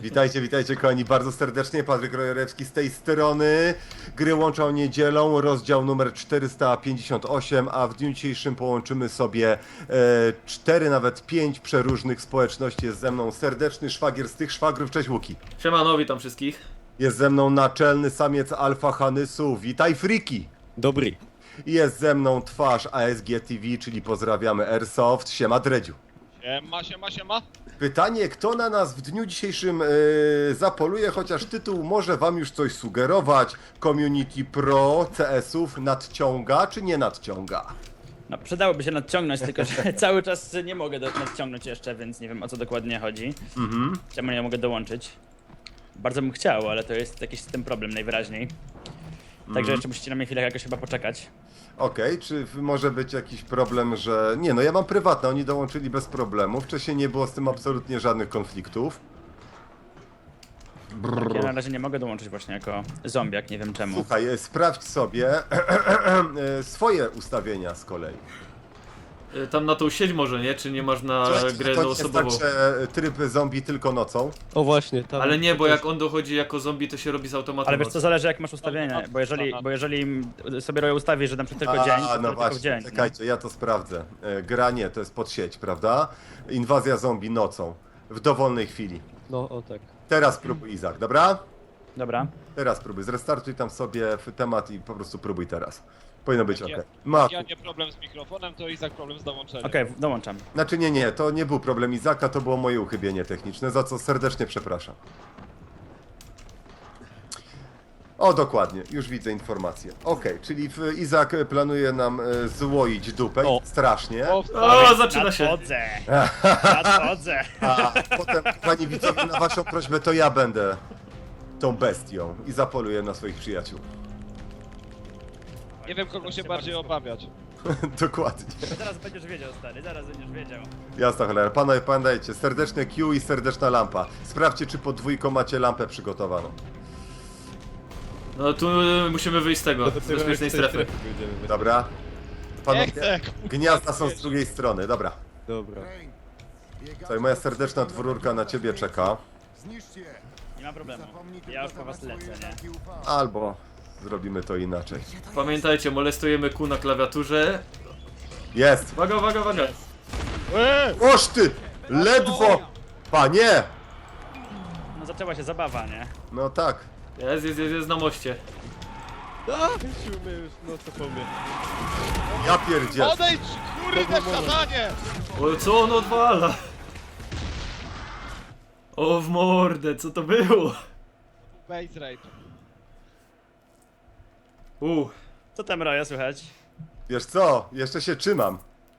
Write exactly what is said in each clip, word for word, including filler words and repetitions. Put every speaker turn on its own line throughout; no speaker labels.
Witajcie, witajcie kochani bardzo serdecznie, Patryk Rojerewski z tej strony. Gry łączą niedzielą, rozdział numer czterysta pięćdziesiąt osiem, a w dniu dzisiejszym połączymy sobie e, cztery, nawet pięć przeróżnych społeczności. Jest ze mną serdeczny szwagier z tych szwagrów, cześć Łuki.
Siemano, witam wszystkich.
Jest ze mną naczelny samiec alfa Hanysu, witaj Friki.
Dobry.
I jest ze mną twarz A S G T V, czyli pozdrawiamy Airsoft, siema Dredziu.
Siema, siema, siema.
Pytanie, kto na nas w dniu dzisiejszym yy, zapoluje, chociaż tytuł może wam już coś sugerować. Community Pro C S-ów nadciąga czy nie nadciąga?
No przydałoby się nadciągnąć, tylko że cały czas nie mogę do, nadciągnąć jeszcze, więc nie wiem o co dokładnie chodzi.
Mhm.
Czemu nie mogę dołączyć? Bardzo bym chciał, ale to jest jakiś ten problem najwyraźniej. Także jeszcze musicie na mnie chwilę jakoś chyba poczekać.
Okej, czy w- może być jakiś problem, że... Nie no, ja mam prywatne, oni dołączyli bez problemu. Wcześniej nie było z tym absolutnie żadnych konfliktów. Brrr.
Ja na razie nie mogę dołączyć właśnie jako zombiak, nie wiem czemu.
Słuchaj, e, sprawdź sobie e, swoje ustawienia z kolei.
Y, Tam na tą sieć może, nie? Czy nie masz na grę
To nie jest
jednoosobową?
tak, że tryb zombie tylko nocą.
O właśnie, tam.
Ale nie, bo jak on dochodzi jako zombie, to się robi z automatu.
Ale wiesz co,
noc.
zależy jak masz ustawienie, bo jeżeli, bo jeżeli sobie Roy ustawi, że na przykład tylko dzień, to
A, no
tylko w
właśnie,
dzień.
czekajcie, ja to sprawdzę. E, Gra nie, to jest pod sieć, prawda? Inwazja zombie nocą, w dowolnej chwili.
No, o tak.
Teraz próbuj, Izak, dobra?
Dobra.
Teraz próbuj, zrestartuj tam sobie w temat i po prostu próbuj teraz. Powinno być ok.
Ja-
Maku.
Ja nie problem z mikrofonem, to Izak problem z dołączeniem.
Okej, dołączam.
Znaczy nie, nie, to nie był problem Izaka, to było moje uchybienie techniczne, za co serdecznie przepraszam. O, dokładnie, już widzę informację. Okej, czyli w Izak planuje nam e, złoić dupę,
O.
strasznie.
O,
O, zaczyna się.
Nadchodzę! Nadchodzę!
A potem, pani widzowie, na waszą prośbę to ja będę tą bestią i zapoluję na swoich przyjaciół.
nie wiem kogo się bardziej obawiać.
Dokładnie.
Zaraz będziesz wiedział, stary, zaraz będziesz wiedział.
Jasna cholera. Panowie, pamiętajcie, serdeczne Q i serdeczna lampa. Sprawdźcie, czy pod dwójką macie lampę przygotowaną.
No tu y, musimy wyjść z tego, z
Dopiero
bezpiecznej
jak z tej
strefy.
będziemy.
Dobra?
Nie
Panowie,
chcę!
gniazda są z drugiej strony, dobra.
Dobra.
Słuchaj, moja serdeczna dwururka na ciebie czeka.
Nie ma problemu. Ja już po was lecę, nie?
Albo zrobimy to inaczej.
Pamiętajcie, molestujemy Q na klawiaturze.
Jest!
Uwaga, uwaga, uwaga.
Eee!
Oż ty! Ledwo! Panie!
No zaczęła się zabawa, nie?
No tak.
Jest, jest, jest, jest na moście.
A, musimy już, no co powiem.
Ja pierdziel.
Odejdź! Kurde, szatanie!
O, co on odwala? O, w mordę, co to było?
Base raid.
U,
Co tam, Roja, słychać?
Wiesz co? Jeszcze się trzymam.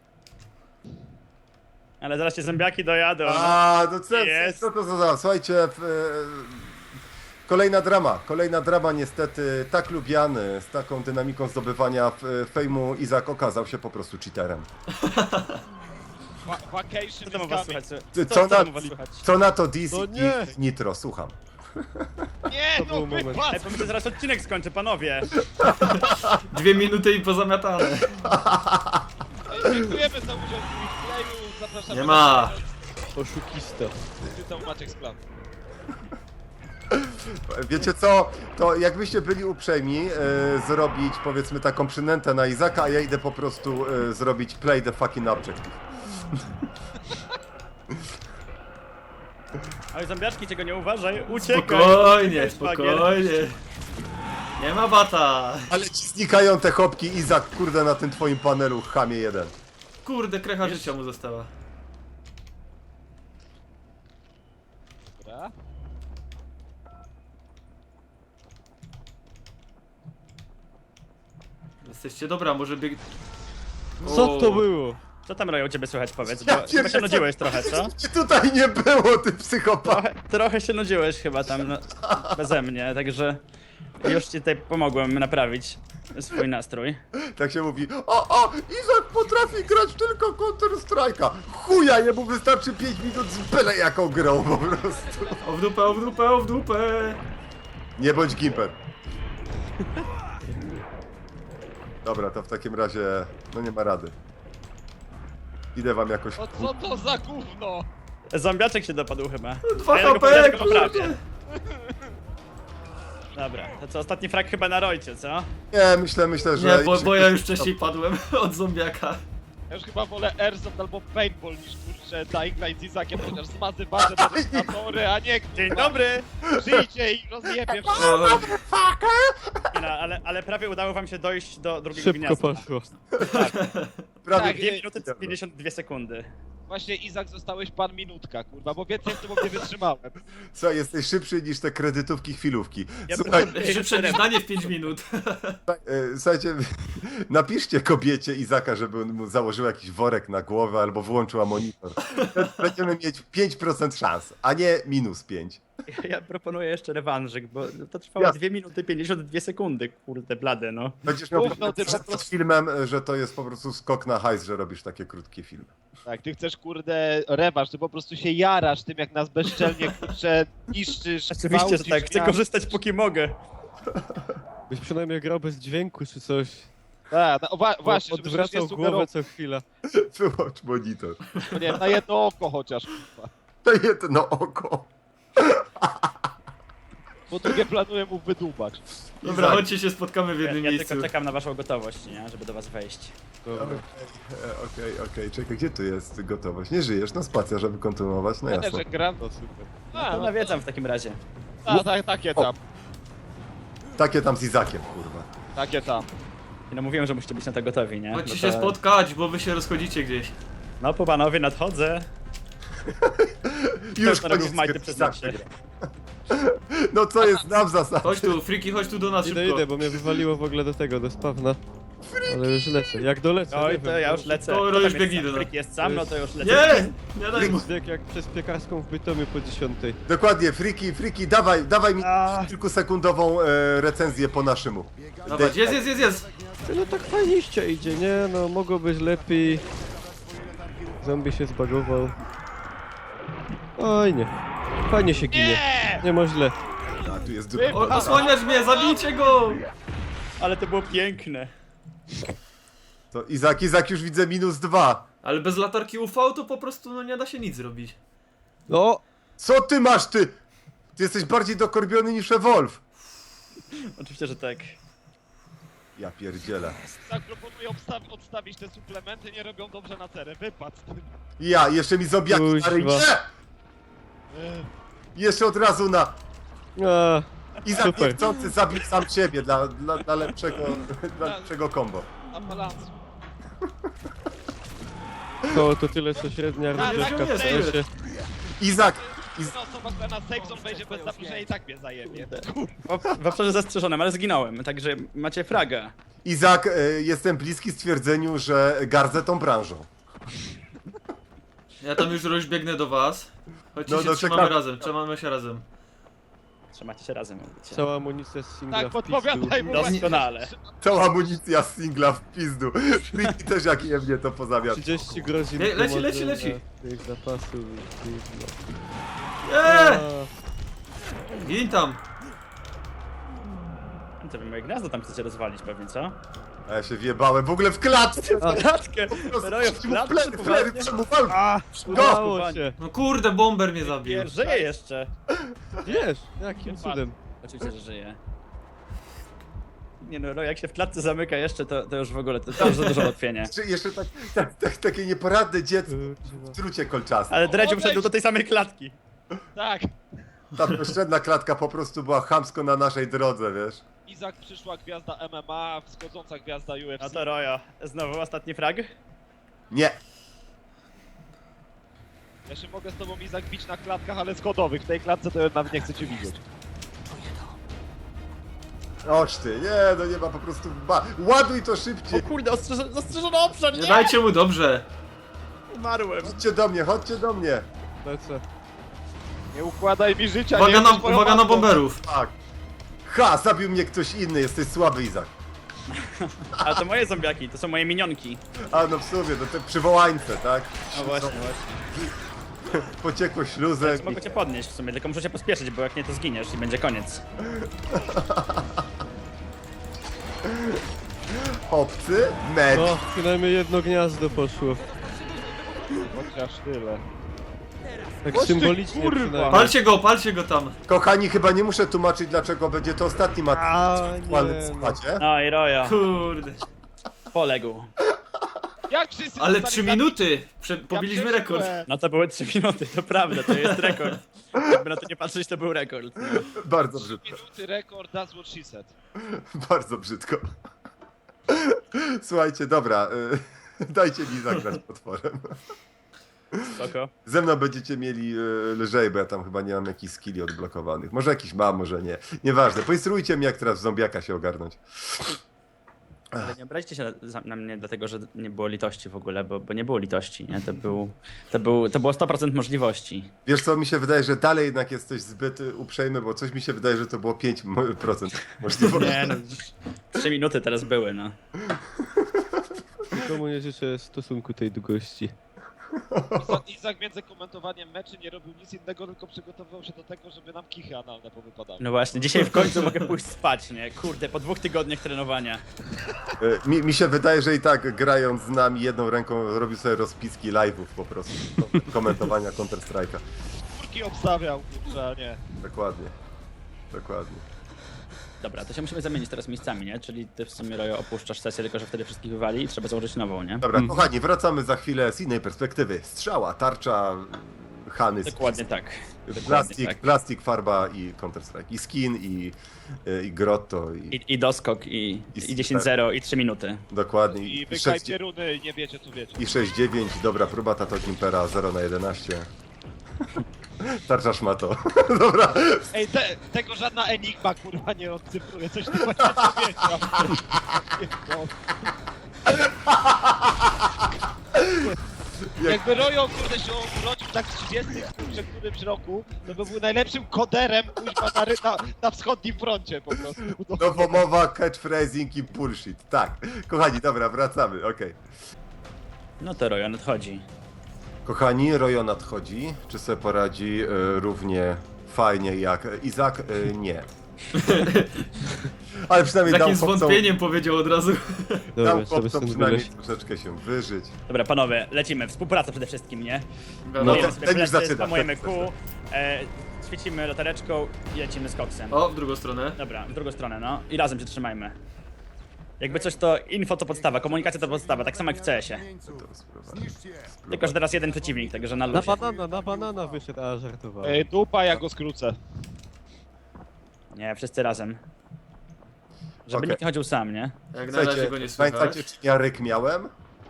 Ale zaraz cię zombiaki dojadą.
A, no co,
Jest.
co to za... Słuchajcie, w, e, kolejna drama, kolejna drama niestety, tak lubiany, z taką dynamiką zdobywania f- fejmu, Izak okazał się po prostu cheaterem.
Va vacation
Co
is
tam u was
coming.
słychać?
Ty,
Co,
co,
co
na,
tam u was słychać?
co na to Diz
No
i
nie.
Nitro, słucham.
Nie,
To
no
był moment.
wypad!
Ej, pomyślę, zaraz odcinek skończę, panowie.
dwie minuty i pozamiatane.
Dziękujemy za udział w playu. Zapraszamy
Nie ma.
Oszukista.
Czytał Maciek z plan.
Wiecie co, to jakbyście byli uprzejmi e, zrobić powiedzmy taką przynętę na Izaka, a ja idę po prostu e, zrobić play the fucking objective.
Oj, zombiaczki, czego nie uważaj, uciekaj.
Spokojnie,
Uciekaj, szwagier.
spokojnie. Nie ma bata.
Ale ci znikają te chopki, Izak, kurde, na tym twoim panelu, chamie jeden.
Kurde, krecha życia mu została.
Dobra.
Jesteście dobra, może bieg...
Co to
O,
było?
Co tam, Roja, u ciebie słychać, powiedz,
Ja
bo chyba się
pierdolę.
nudziłeś trochę, co?
I tutaj nie było, ty psychopato.
Trochę, trochę się nudziłeś chyba tam no, beze mnie, także już ci tutaj pomogłem naprawić swój nastrój.
Tak się mówi, o, o, Izak potrafi grać tylko Counter Strike'a. Chuja, jemu wystarczy pięć minut z byle jaką grą po prostu.
O w dupę, o w dupę, o w dupę.
Nie bądź gimper. Dobra, to w takim razie, no nie ma rady. Idę wam jakoś...
O co to za gówno?
Zombiaczek się dopadł chyba.
Dwa
A ja go
HP,
poprawię, go
kurde.
poprawię. Dobra, to co, ostatni frag chyba na Rojcie, co?
Nie, myślę, myślę, że...
Nie, bo, bo ja już wcześniej padłem od zombiaka.
Ja już chyba wolę Airsoft albo Paintball niż kurczę Dying Light z Izakiem, chociaż zmazywane demonstratory, a nie
Dzień
kurwa,
dobry!
Żyjcie i rozjebie wszystko.
O,
Nie no, ale, ale prawie udało wam się dojść do drugiego
Szybko
gniazda.
poszło.
Prawie
Tak,
dwie minuty pięćdziesiąt dwie sekundy.
Właśnie Izak zostałeś pan minutka, kurwa, bo więcej z tobą nie wytrzymałem.
Co, jesteś szybszy niż te kredytówki, chwilówki.
Ja
Słuchaj,
bym-
szybsze niż danie w pięć minut.
e, słuchajcie, napiszcie kobiecie Izaka, żeby mu założył jakiś worek na głowę albo wyłączyła monitor. Będziemy mieć pięć procent szans, a nie minus pięć.
Ja, ja proponuję jeszcze rewanżyk, bo to trwało
Jasne.
dwie minuty pięćdziesiąt dwie sekundy, kurde blade no.
Będziesz miał
Mów, no, ty
przed
po prostu-
filmem, że to jest po prostu skok na hajs, że robisz takie krótkie filmy.
Tak, ty chcesz kurde rewanż, ty po prostu się jarasz tym, jak nas bezczelnie kurczę niszczysz.
Oczywiście, że
gwałcisz,
tak, chcę
ja-
korzystać póki mogę.
Byś przynajmniej grał bez dźwięku czy coś.
Tak, no, wa- właśnie, żebyś
Odwracał
nie
głowę
sugerował,
co chwila.
Wyłącz monitor.
nie wiem, na jedno oko chociaż, kurwa.
To jedno oko.
Po drugie planuję mu wydubać.
Dobra, chodźcie się spotkamy w
Ja,
jednym
ja
miejscu.
tylko czekam na waszą gotowość, nie? Żeby do was wejść.
Dobra.
E, Okej, okej, czekaj, gdzie tu jest gotowość? Nie żyjesz? No spacja, żeby kontynuować, no
Ja też
jasne.
jak gram.
No super.
A,
To
no,
nawiedzam w takim razie.
tak, tak, takie tam,
Takie tam z Izakiem, kurwa.
takie tam.
I no mówiłem, że musicie być na to gotowi, nie?
Chodźcie
No
się
to-
spotkać, bo wy się rozchodzicie gdzieś.
No po panowie nadchodzę.
Już
to robił
koniec
w majty
Izak
przyznać się.
wygra. No co jest, znam zasad.
Chodź tu, Friki, chodź tu do nas
Idę,
szybko.
idę, bo mnie wywaliło w ogóle do tego, do spawna. Ale już lecę. Jak dolecę,
Oj,
nie
to
wiem.
ja już lecę.
To
Kto
już
tam jest
biegnij
sam?
do nas.
Fryk jest sam, no to już lecę.
Nie! Nie daj mu.
Bieg jak przez piekarską w Bytomiu po dziesiątej.
Dokładnie, Friki, Friki, dawaj, dawaj mi
A.
kilkusekundową e, recenzję po naszemu.
Dawaj, jest, jest, jest, jest!
Ty, no tak fajniście idzie, nie? No mogło być lepiej. Zombie się zbagował. Oj nie. Fajnie się ginie.
Nie!
Nie ma źle.
A, tu jest
Wy-
dupa.
O, osłaniasz mnie, zabijcie go!
Ale to było piękne.
To Izak, Izak już widzę minus dwa.
Ale bez latarki U V to po prostu no nie da się nic zrobić.
No!
Co ty masz, ty? Ty jesteś bardziej dokorbiony niż Evolve.
Oczywiście, że tak.
Ja pierdzielę.
Tak proponuję obstawi- odstawić te suplementy, nie robią dobrze na cerę, wypad z tym.
Ja, jeszcze mi zombiaki
Kuźwa.
na ryj. Nie! Jeszcze od razu na...
A,
Izak
Super.
niechcący zabił sam siebie dla, dla, dla lepszego, dla lepszego combo.
Na balansu.
to, to tyle co średnia
Tak,
rozgrywka
tak,
w
jest,
sensie.
Izak, Iz...
No, osoba, która na safe zone wejdzie bez zaproszenia i tak mnie zajebie.
W, w obszarze zastrzeżonym, ale zginąłem, także macie fraga.
Izak, e, jestem bliski stwierdzeniu, że gardzę tą branżą.
Ja tam już rozbiegnę do was. Chodźcie
No,
się
no,
trzymamy
czekam.
razem, trzymamy się razem.
Trzymacie się razem, mówicie.
Cała amunicja z singla
Tak,
w
podpowiadaj
pizdu.
mu
Doskonale.
Cała amunicja z singla w pizdu. Friki też jak je mnie to pozamiast.
trzydzieści grozi
Le- leci, leci, leci.
tych zapasów. gówno.
Eee!
A,
Gin tam!
To wy moje gniazdo tam chcecie rozwalić pewnie, co?
A ja się wjebałem w ogóle w klatce.
Klatkę! Rojo w klatce,
Flery, flery,
poważnie?
czemu walczy?
A,
Udało się!
No kurde, bomber mnie zabił.
Nie, żyje jeszcze.
Wiesz, jakim cudem.
Oczywiście, że żyje. Nie no, Rojo, jak się w klatce zamyka jeszcze, to, to już w ogóle, to, to już za dużo ułatwienia.
Czy jeszcze tak, tak, tak, takie nieporadne dziecko w trucie kolczastym.
Ale Dredziu wszedł do tej samej klatki.
Tak.
Ta bezczelna klatka po prostu była chamsko na naszej drodze, wiesz?
Izak, przyszła gwiazda M M A, wschodząca gwiazda U F C.
No to Rojo, znowu ostatni frag?
Nie.
Ja się mogę z tobą, Izak, bić na klatkach, ale schodowych. W tej klatce to ja nawet nie chcę cię widzieć.
Oż ty, nie, no nie ma po prostu ba... Ładuj to
O
szybciej.
kurde, ostrzeżony, ostrzeżony obszar,
Nie
nie!
dajcie mu dobrze.
Umarłem.
Chodźcie do mnie, chodźcie do mnie.
Lecę.
Nie układaj mi życia,
Uwaga
nie
na,
jesteś moją
uwaga na
matką.
bomberów.
Tak. Ha, zabił mnie ktoś inny, jesteś słaby, Izak.
Ale to moje zombiaki, to są moje minionki.
A no w sumie, no te przywołańce, tak?
No właśnie, właśnie.
Pociekło śluzem.
Więc mogę cię podnieść w sumie, tylko muszę się pospieszyć, bo jak nie to zginiesz i będzie koniec.
Obcy, med.
No, przynajmniej jedno gniazdo poszło.
Chociaż tyle.
Tak
Chodź ty,
symbolicznie
kurwa.
przynajmniej.
Palcie go, palcie go tam.
Kochani, chyba nie muszę tłumaczyć, dlaczego będzie to ostatni mat
A,
aktualny w
nie, no.
składzie.
No i Rojo,
Kurde.
poległ.
Jak wszyscy
Ale
zostali
trzy
zabici?
minuty. Prze
Ja
pobiliśmy rekord.
przeżyłem.
No to były trzy minuty, to prawda, to jest rekord. Jakby na to nie patrzeć, to był rekord. No.
Bardzo
trzy
brzydko.
minuty rekord, that's what she said.
Bardzo brzydko. Słuchajcie, dobra. y, Dajcie mi zagrać potworem.
Spoko.
Ze mną będziecie mieli y, lżej, bo ja tam chyba nie mam jakichś skilli odblokowanych. Może jakiś mam, może nie. Nieważne. Poinstruujcie mnie, jak teraz w zombiaka się ogarnąć.
Ale nie obraźcie się na, na mnie dlatego, że nie było litości w ogóle, bo, bo nie było litości, nie? To, był, to, był, to było sto procent możliwości.
Wiesz co, mi się wydaje, że dalej jednak jesteś zbyt y, uprzejmy, bo coś mi się wydaje, że to było pięć procent możliwości.
Nie no, trzy minuty teraz były, no.
Nikomu nie życzę stosunku tej długości.
Izak- Izak między komentowaniem meczy nie robił nic innego, tylko przygotowywał się do tego, żeby nam kichy analne powypadały.
No właśnie, dzisiaj w końcu mogę pójść spać, nie? Kurde, po dwóch tygodniach trenowania.
Y, Mi, mi się wydaje, że i tak grając z nami jedną ręką robił sobie rozpiski live'ów po prostu. Komentowania Counter-Strike'a.
Kurki obstawiał, kurczę, a nie.
Dokładnie. Dokładnie.
Dobra, to się musimy zamienić teraz miejscami, nie? Czyli ty w sumie, Rojo, opuszczasz sesję, tylko że wtedy wszystkich wywali i trzeba założyć nową, nie?
Dobra, kochani, wracamy za chwilę z innej perspektywy. Strzała, tarcza, Hany,
Dokładnie tak. Dokładnie
plastik,
tak.
plastik, farba i Counter-Strike. I skin, i, y, i grotto, i,
I, i doskok, i,
I
i dziesięć zero, i trzy minuty.
dokładnie.
I
I
wykajcie runy, nie wiecie co wiecie.
I sześć dziewięć, dobra próba, Tato Gimpera zero na jedenaście. Tarcza szmato. Dobra.
Ej, te, tego żadna enigma kurwa nie odcyfruje, coś nie będzie powiedział. Jakby Rojo kurde się urodził tak w trzydziestym kurczę którymś roku, to by był najlepszym koderem kuźma na, ry- na, na wschodnim froncie po prostu.
Nowomowa, catchphrasing i bullshit. Tak. Kochani, dobra, wracamy, okej.
No to Rojo nadchodzi.
Kochani, Rojo nadchodzi. Czy sobie poradzi y, równie fajnie jak Izak? Y, nie. Ale
Z
przynajmniej dał
takim
chłopcom,
zwątpieniem powiedział od razu.
Dobra,
dał
sobie
chłopcom
stąd
przynajmniej
wyleźć.
troszeczkę się wyżyć.
Dobra, panowie, lecimy. Współpraca przede wszystkim, nie?
No
Wiadomo.
to-
Bijemy sobie
ten już
plecy,
zaczyna,
spamujemy
ten-
kół, e, świecimy latareczką i lecimy z koksem.
O, w drugą stronę.
Dobra, w drugą stronę, no. I razem się trzymajmy. Jakby coś to info to podstawa, komunikacja to podstawa, tak samo jak w C S-ie.
To spróbuję.
Tylko, że teraz jeden przeciwnik, także na
Na
luzie.
banana, na banana wyszedł, a żartowałem.
Ej, dupa, ja go skrócę.
Nie, wszyscy razem. Żeby
Okej.
nikt nie chodził sam, nie?
Jak na razie
Słuchajcie,
go nie słychać.
pamiętacie, czy ja ryk miałem?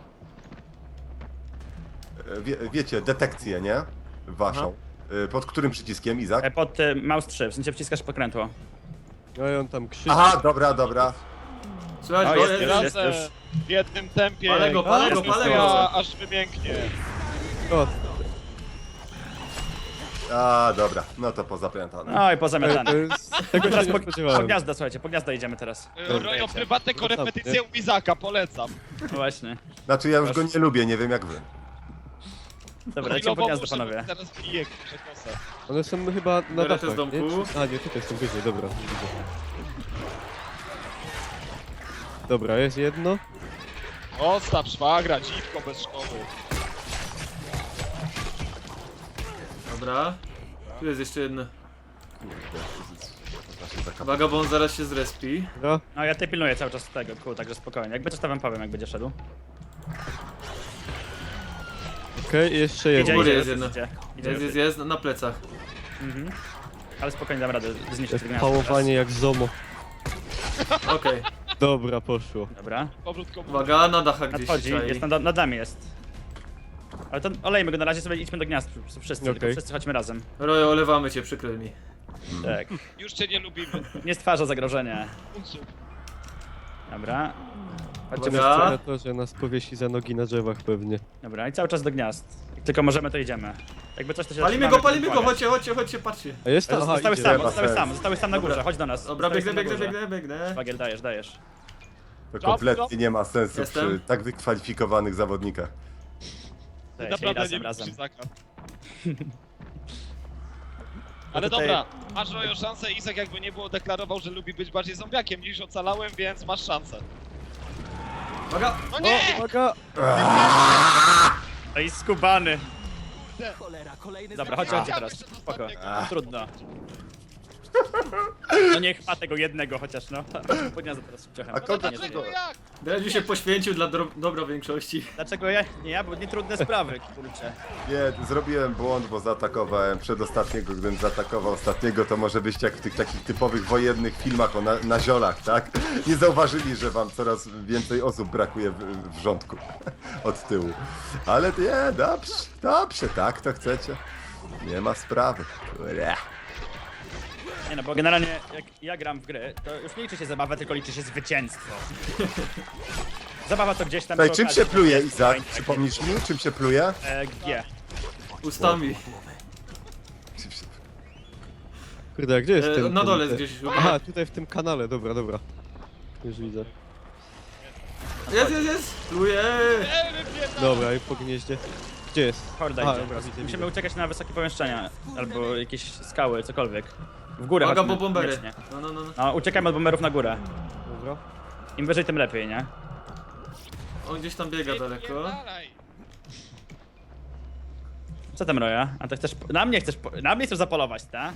E, Wie, wiecie, detekcję, nie? Waszą. E, Pod którym przyciskiem, Izak?
E, Pod y, mouse trzy, w sensie wciskasz pokrętło.
No i on tam krzyczy.
Aha, dobra, dobra.
Słychać
O,
go?
jest,
Jest,
jest.
Razem, w jednym tempie.
Palę go, palę go, palę go.
Ja aż wymięknie.
O,
A, dobra, no to pozapamiętane.
No i
to
pozamiatane.
jest... Tego
Teraz
się
po,
nie
po
spodziewałem.
gniazdo, słuchajcie, po gniazdo idziemy teraz.
Rojo, prywatne korepetycje u Izaka, polecam.
No właśnie.
Znaczy, ja już go nie lubię, nie wiem jak wy.
Dobra, lecimy po gniazdo, panowie.
Teraz piję kurczę kosę.
One są chyba na
Biorę te
dachach,
z domku.
nie? Czy- A nie, tutaj są wyżej, dobra. Widzę. Dobra, jest jedno.
Odstaw szwagra, dziwko bez szkoły.
Dobra. Tu jest jeszcze jedno.
Taka-
Uwaga, bo on zaraz się zrespi.
Dobra.
No ja tutaj pilnuję cały czas tego kół, także spokojnie. Jakby coś to wam powiem, jak będzie szedł.
Okej, jeszcze
Idzie,
jedno.
góry
idzie,
jest
idzie,
jedno.
idzie. Idzie,
Jest, jest, jest, na plecach.
Mhm. Ale spokojnie dam radę zniszczyć
Jest
to gniazdo
pałowanie jak zomo.
Okej.
Dobra, poszło.
teraz. Dobra.
Powrót komu.
Uwaga, na dachach gdzieś się
Nadchodzi,
czai.
jest nad, nad nami jest. Ale to olejmy go na razie, sobie idźmy do gniazd wszyscy, tylko
Okej.
wszyscy chodźmy razem.
Rojo, olewamy cię, przykro mi.
Tak.
Już cię nie lubimy.
Nie stwarza zagrożenia.
Unsub.
Dobra. Chodźcie,
Uwaga.
Na to, że nas powiesi za nogi na drzewach pewnie.
dobra, i cały czas do gniazd. Jak tylko możemy, to idziemy. Jakby coś to się
Palimy
zatrzymamy,
go, palimy
to
go,
pomagać.
chodźcie, chodźcie, chodźcie, patrzcie.
A jest to? Aha,
Zostały
idzie.
sam,
Nie ma
zostały
sensu.
sam, zostały sam na górze,
Dobra.
chodź do nas.
Dobra,
Zostałeś
biegnę,
sam na
biegnę,
górze.
biegnę, biegnę.
Szwagier, dajesz, dajesz.
To
Drop,
kompletnie
drop.
nie ma sensu
Jestem.
przy tak wykwalifikowanych zawodnikach.
Dajesz, i
Naprawdę
razem,
nie
razem.
lubisz Izaka. Ale
tutaj-
dobra, masz Rojo szansę. Izak jakby nie było deklarował, że lubi być bardziej zombiakiem niż ocalałem, więc masz szansę.
Uwaga!
No nie!
Uwaga!
No i skubany.
kurde.
Dobra, chodźcie, chodźcie teraz.
Chciałbym, że
Spoko.
zostawię go.
Trudno. No niech ma tego jednego chociaż, no. Podniosę teraz ciochem.
A
No
kogo
Nie,
dlaczego
tego.
jak?
Dredziu się poświęcił dla dro- dobra większości.
Dlaczego ja? Nie ja, bo nie trudne sprawy, kurczę.
Nie, zrobiłem błąd, bo zaatakowałem przedostatniego. Gdybym zaatakował ostatniego, to może byście jak w tych takich typowych wojennych filmach o na, na ziolach, tak? Nie zauważyli, że wam coraz więcej osób brakuje w, w rządku od tyłu. Ale nie, dobrze, dobrze, tak to chcecie. Nie ma sprawy. Kurde.
Nie no, bo generalnie jak ja gram w gry, to już nie liczy się zabawa, tylko liczy się zwycięstwo. Zabawa to gdzieś tam...
Tutaj,
przy
czym
okazji,
się pluje,
takie
Izak?
fajne,
Przypomnisz mi, czym się pluje?
E, G.
Ustami.
Czym się-
Kurde, a gdzie jest
E,
ten...
na
ten-
dole
ten-
gdzieś.
Aha, tutaj w tym kanale, dobra, dobra. Już widzę.
Jest, jest, jest! Pluje!
Ej, wypierdam.
Dobra, i po gnieździe. Gdzie jest?
Horda
Aha,
idzie.
dobra, widzę,
Musimy
widzę.
uciekać na wysokie pomieszczenia, albo jakieś skały, cokolwiek. W górę
Uwaga,
chodźmy,
bo bombery.
koniecznie.
No, no, no. no.
No, uciekajmy od bomberów na górę.
Dobra.
Im wyżej, tym lepiej, nie?
On gdzieś tam biega daleko.
Wypierdalaj.
Co tam, Roja? A to chcesz... Na mnie chcesz... po- Na mnie chcesz zapolować, tak?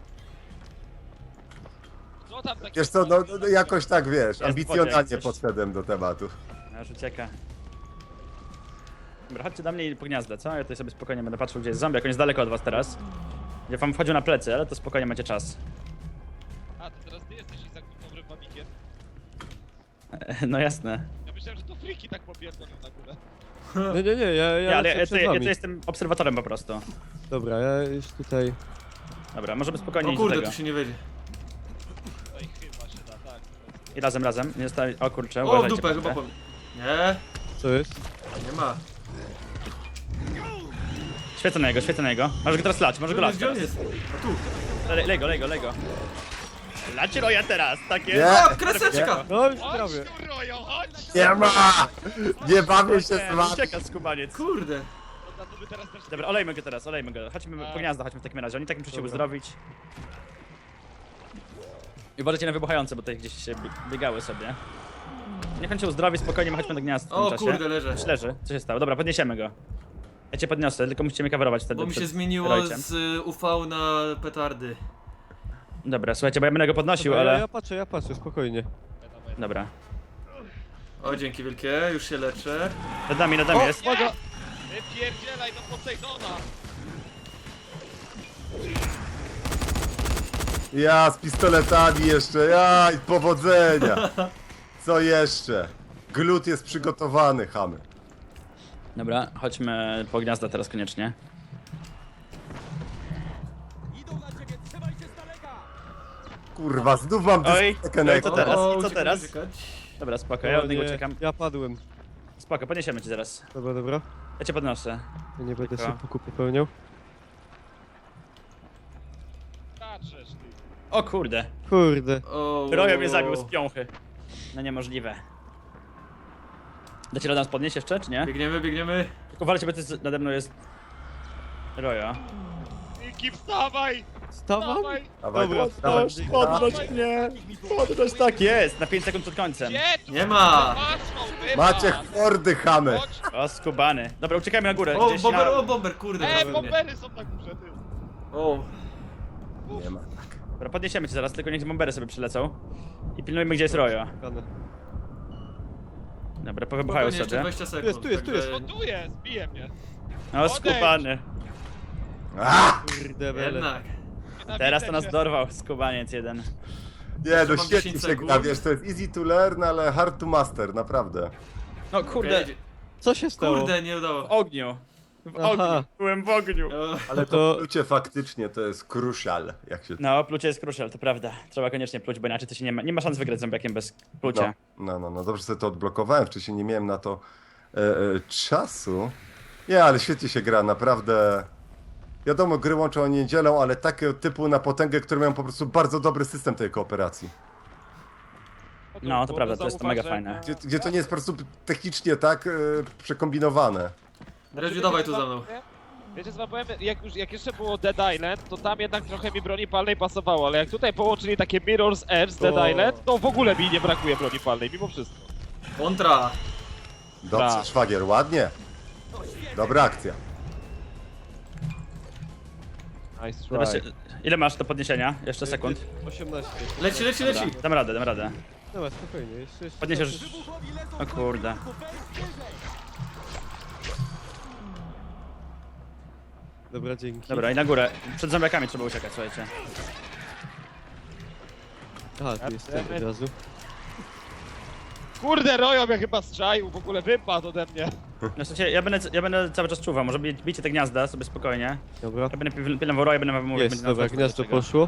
Co tam takie...
Wiesz co, no, no jakoś tak wiesz,
jak
ambicjonalnie
coś.
podszedłem do tematu.
No już ucieka. Dobra, chodźcie do mnie i po gniazdę, co? Ja tutaj sobie spokojnie będę patrzył, gdzie jest zombie, jak on jest daleko od was teraz. Ja wam wchodził na plecy, ale to spokojnie macie czas.
A, to teraz ty jesteś Izak tym dobrym mamikiem.
No jasne.
Ja myślałem, że to friki tak popierdolą na górę.
Nie, nie, nie, ja, ja,
Ja, ale
lecę
ja,
przed
ja, ja
wami.
tu jestem obserwatorem po prostu.
Dobra, ja już tutaj...
Dobra, możemy spokojnie
O
iść do
kurde,
tego.
tu się nie wejdzie.
Tutaj chyba się da, tak.
I razem, razem. Nie zostawi... O kurczę,
O, w
uważajcie.
dupę, chyba
proszę.
po... Nie,
Co jest?
nie ma.
Świecę na niego, świecę na niego. Możesz go teraz lać, możesz go lać
Gdzie on
teraz.
jest? A tu.
Le, lego, lego, lego. Lacie Roja teraz, takie.
Nie.
O, kreseczka!
No już
Chodź
prawie.
tu, Rojo, chodź!
Nie ma! Nie bawię się z
Nie,
wami.
ucieka skubaniec.
Kurde.
No, to by teraz też...
Dobra, olejmy go teraz, olejmy go. Chodźmy po gniazdo, chodźmy w takim razie. Oni tak muszą się uzdrowić. I uważajcie na wybuchające, bo tutaj gdzieś się bie- biegały sobie. Niech on się uzdrowi, spokojnie, my chodźmy do gniazda w tym
O
czasie.
kurde, leżę.
Już leży, co się stało? Dobra, podniesiemy go. Ja cię podniosę, tylko musicie mnie coverować wtedy
Bo mi się
przed
zmieniło
Rojcem.
z y, U V na petardy.
Dobra, słuchajcie, bo ja będę go podnosił,
Dobra, ja,
ale...
ja patrzę, ja patrzę, spokojnie.
Dobra.
O, dzięki wielkie, już się leczę.
Nad nami, nad nami
O,
jest.
nie! Wypierdzielaj do Posejdona!
Ja z pistoletami jeszcze, ja i powodzenia. Co jeszcze? Glut jest przygotowany, chamy.
Dobra, chodźmy po gniazda teraz koniecznie.
Kurwa, znów mam
Oj,
dyskotekę
no
na
i co
ekran.
teraz?
O,
I co
uciekać,
teraz?
uciekać.
Dobra, spoko, ja
O
od niego
nie,
uciekam.
Ja padłem.
Spoko, podniesiemy cię zaraz.
Dobra, dobra.
Ja cię podnoszę.
Ja nie będę
Tylko.
sobie puku popełniał.
Patrzesz ty.
O kurde,
Kurde.
O,
Rojo mnie zabił z piąchy. No niemożliwe. Dacie radę nas podnieść jeszcze, czy nie?
Biegniemy, biegniemy.
Tylko walcie, bo to jest, nade mną jest... Rojo.
Niki, wstawaj!
Stawam?
Wstawaj!
Dawaj,
Dobra,
dawaj,
podnoś,
dawaj.
podnoś
mnie! Podnoś, tak jest! Na pięć sekund przed końcem.
Gdzie tu?
Nie ma.
Patrzą, wypadł!
Macie hordy, chamy.
Chodź!
O, skubany. Dobra, uciekajmy na górę.
O,
gdzieś
bomber,
na...
o, bomber, kurde.
E,
prawie mnie.
bombery są na górze, ty!
O,
Nie ma.
Dobra, podniesiemy cię zaraz, tylko niech bombery sobie przylecą. I pilnujmy, gdzie jest Rojo. Dobra, powybuchają
spokojnie, jeszcze
sobie.
dwadzieścia sekund.
Jest, tu jest, tu
także-
No tu jest, bije mnie!
O, skubany.
A!
Kurde, bele.
Jednak.
Nienawidzę
Teraz to nas
cię.
dorwał, skubaniec jeden.
Nie,
Jeszcze
no
mam
świetnie
dziesięć
się
sekund.
gra, wiesz, to jest easy to learn, ale hard to master, naprawdę.
No kurde,
Okej,
Co się stało?
Kurde, nie
w
udało.
ogniu. W
Aha.
ogniu, byłem w ogniu.
O,
Ale
To-
to plucie faktycznie to jest crucial, jak się...
No, plucie jest crucial, to prawda. Trzeba koniecznie pluć, bo inaczej to się nie ma, nie ma szans wygrać z zombiakiem bez plucia.
No, no, no, no, dobrze sobie to odblokowałem, wcześniej nie miałem na to e, e, czasu. Nie, ale świetnie się gra, naprawdę. Wiadomo, gry łączą niedzielą, ale takiego typu na potęgę, które mają po prostu bardzo dobry system tej kooperacji.
No, to prawda, to jest to mega
zauważ, że-
fajne.
Gdzie, gdzie to nie jest po prostu technicznie tak e, przekombinowane.
Redziu, dawaj tu za mną.
Wiecie co wam powiem, jak, już, jak jeszcze było Dead Island, to tam jednak trochę mi broni palnej pasowało, ale jak tutaj połączyli takie Mirror's Edge z Dead
O.
Island, to w ogóle mi nie brakuje broni palnej, mimo wszystko.
Kontra.
Dobrze,
Tak.
szwagier, ładnie. Dobra akcja.
Nice try.
Zobaczcie, ile masz do podniesienia? Jeszcze sekund.
osiemnaście.
Leci, leci,
Dobra,
leci.
dam radę, dam radę.
Dobra, spokojnie, jeszcze, jeszcze.
Podniesiesz... O kurde.
Dobra, dzięki.
Dobra, i na górę. Przed zombiakami trzeba uciekać, słuchajcie.
Aha, tu jest ten od razu.
Kurde, Rojo mnie chyba strzaił, w ogóle wypadł ode mnie.
No słuchajcie, ja będę, ja będę cały czas czuwał, może bij- bijcie te gniazda sobie spokojnie.
Dobra.
Ja będę pil- pilnował roja, będę wam mówił,
Jest,
będzie
dobra,
nas
gniazdo
czego.
poszło.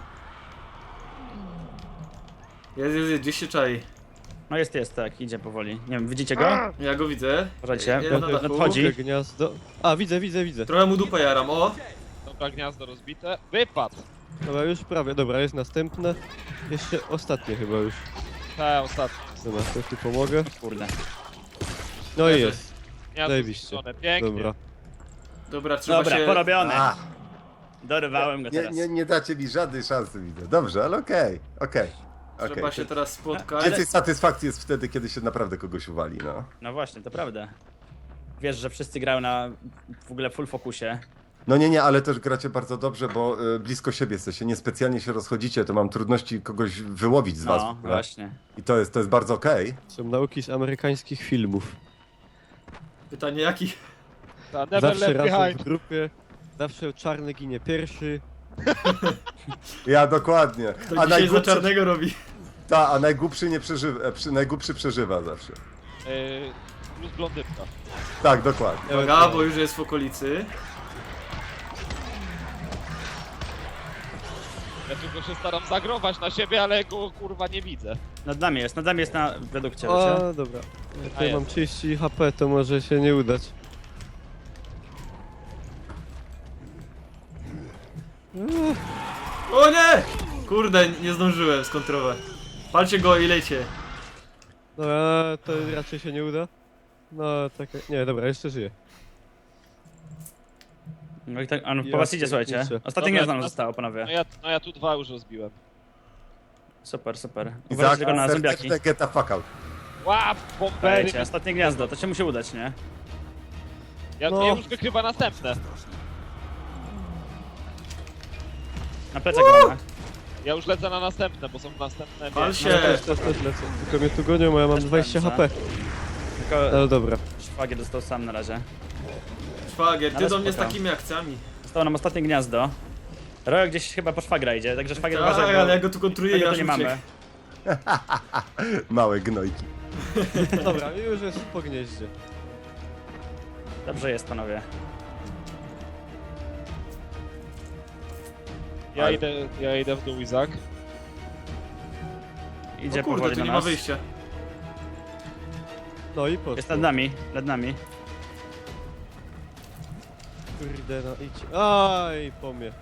Jest, jest, jest, gdzieś się czai.
No jest, jest, tak, idzie powoli. Nie wiem, widzicie go?
Ja go widzę.
Uważajcie,
Ja
no,
na
no,
dachu.
nadchodzi.
Drugie gniazdo. A, widzę, widzę, widzę.
Trochę mu dupę jaram, o.
Dobra, gniazdo rozbite. Wypadł.
Dobra, już prawie. Dobra, jest następne. Jeszcze ostatnie chyba już.
Te ostatnie.
Dobra, to tu pomogę.
Kurde.
No i jest.
Gniazdo
Zajebiście.
zniszczone, pięknie.
Dobra.
Dobra, trzeba
Dobra,
się...
porobione.
A,
Dorywałem go
nie,
teraz.
nie, nie dacie mi żadnej szansy, widzę. Dobrze, ale okej, okej.
Trzeba
okej.
się teraz spotkać.
Więcej satysfakcji jest wtedy, kiedy się naprawdę kogoś uwali, no.
No właśnie, to prawda. Wiesz, że wszyscy grają na w ogóle full fokusie.
No nie, nie, ale też gracie bardzo dobrze, bo y, blisko siebie jesteście, niespecjalnie się rozchodzicie, to mam trudności kogoś wyłowić z was. w
No,
ogóle.
właśnie.
I to jest, to jest bardzo okej.
Są nauki z amerykańskich filmów.
Pytanie jakich?
Ta never
Zawsze
left
razem w
behind.
grupie. Zawsze czarny ginie pierwszy.
Ja dokładnie.
To
A
dzisiaj za
najgłupszy,
czarnego robi.
ta, a najgłupszy nie przeżywa, e, przy, najgłupszy przeżywa zawsze.
Yy, plus blondynka.
Tak, dokładnie.
Uwaga, bo już jest w okolicy.
Ja tylko się staram zagrować na siebie, ale go kurwa nie widzę.
Nad nami jest, nad nami jest na redukcie, wiecie?
O, dobra. Ja
A
tutaj
jest.
mam trzydzieści H P, to może się nie udać.
O nie! Kurde, nie zdążyłem skontrować. Palcie go i lejcie.
Dobra, to raczej się nie uda. No, tak. Nie, dobra, jeszcze żyje.
No i tak, on po
Ja
was idzie, słuchajcie.
pierniczę.
Ostatnie
Dobra,
gniazdo nam
no-
zostało,
No
panowie.
ja, no ja tu dwa już rozbiłem.
Super, super.
Izak,
Uważajcie tylko na zombiaki.
serdeczne get the fuck out.
Łap, bombery.
Dajcie, ostatnie gniazdo, to się musi udać, nie?
Ja,
No.
ja już wykrywa następne.
Na plecach go mamy.
Ja już lecę na następne, bo są następne.
Pal
wiesz.
się.
Ja też, też, też lecę. Tylko mnie tu gonią, a ja mam
Też
dwadzieścia
pędzę.
H P.
Tylko
No dobra.
szwagier dostał sam na razie.
Szwagier, ty
Ale
do mnie z
spoko.
takimi akcjami.
Zostało nam ostatnie gniazdo. Rojo gdzieś chyba po szwagra idzie, także szwagier
Tak,
uważaj,
ale
bo
ja go tu kontruję i
tego
aż
tu nie mamy.
uciekł.
Małe gnojki.
Dobra, już jest po gnieździe.
Dobrze jest, panowie.
Ja
Ale-
idę, ja idę w dół, Izak.
Idzie
O kurde,
powoli
tu
do
nie ma
nas.
wyjścia.
No i poszło.
Jest nad nami, nad nami.
Kurde, no idź. Aj, po mnie.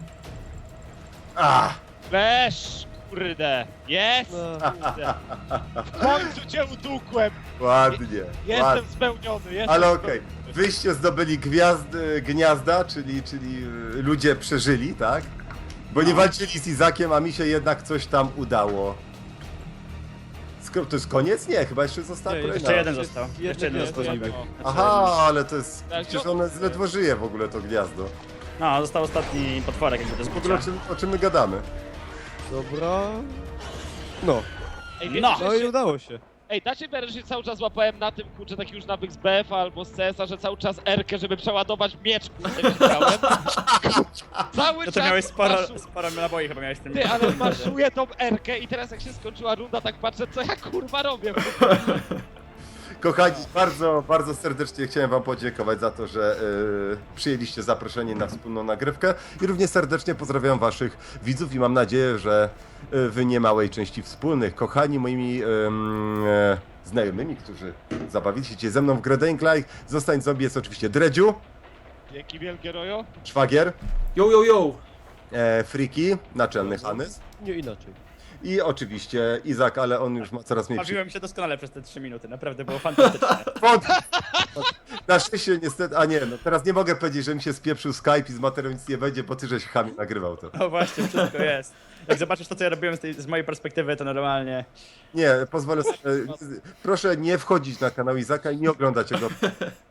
Ah!
Flash! Kurde! Jest!
No.
Kurde. W końcu cię udukłem!
Ładnie,
Jestem
ładnie.
spełniony, jestem
Ale okej,
spełniony.
wyście zdobyli gwiazd, y, gniazda, czyli, czyli y, ludzie przeżyli, tak? Bo nie walczyli z Izakiem, a mi się jednak coś tam udało. Skoro to jest koniec? Nie, chyba jeszcze została
Nie,
kolejna.
Jeszcze jeden
jest
został.
jedno
Jeszcze jeden
gniazdo
został
zombiak.
zombiak.
Aha, ale to jest...
Tak,
Przecież
no-
one ledwo żyje w ogóle to gniazdo.
No, został ostatni potworek jakby do
W ogóle o
zbicia.
czym, o czym my gadamy?
Dobra. No.
Ej, wiecie,
No.
że
No i
się-
udało się.
Ej, dacie wiarę, że się cały czas łapałem na tym, kurczę, taki już nawyk z B F a albo z C S a, że cały czas R-kę, żeby przeładować miecz, kurczę, nie grałem. Cały
No
czas
to miałeś sporo,
maszu-
sporo naboi chyba miałeś w tym.
Ty, ale maszuję tą R-kę i teraz jak się skończyła runda, tak patrzę, co ja kurwa robię.
Kochani, bardzo, bardzo serdecznie chciałem wam podziękować za to, że y, przyjęliście zaproszenie na wspólną nagrywkę i również serdecznie pozdrawiam waszych widzów i mam nadzieję, że y, w niemałej części wspólnych. Kochani moimi ym, e, znajomymi, którzy zabawili się dzisiaj ze mną w grę Dying Light, Zostań Zombie jest oczywiście Dredziu,
Dzięki wielkie, Rojo.
Szwagier,
Yo, yo, yo!
e, Friki, naczelny Hanys
Nie inaczej.
i oczywiście Izak, ale on już ma coraz mniej przy...
Bawiłem się doskonale przez te trzy minuty, naprawdę było fantastycznie.
Pod... Na szczęście niestety, a nie, no teraz nie mogę powiedzieć, że mi się spieprzył Skype i z materiału nic nie będzie, bo ty żeś chamie nagrywał to.
No właśnie, wszystko jest. Jak zobaczysz to, co ja robiłem z, tej, z mojej perspektywy, to normalnie...
Nie, pozwolę sobie, proszę nie wchodzić na kanał Izaka i nie oglądać jego.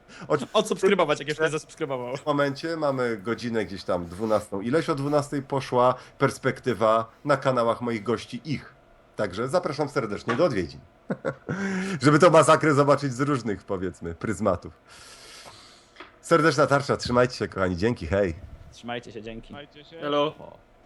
Odsubskrybować, jak jeszcze nie zasubskrybował.
W momencie mamy godzinę gdzieś tam dwunastą. Ileś o dwunastej poszła perspektywa na kanałach moich gości ich. Także zapraszam serdecznie do odwiedzin. Żeby tą masakrę zobaczyć z różnych, powiedzmy, pryzmatów. Serdeczna tarcza, trzymajcie się kochani, dzięki, hej.
Trzymajcie się, dzięki.
Trzymajcie się.
Hello.
O.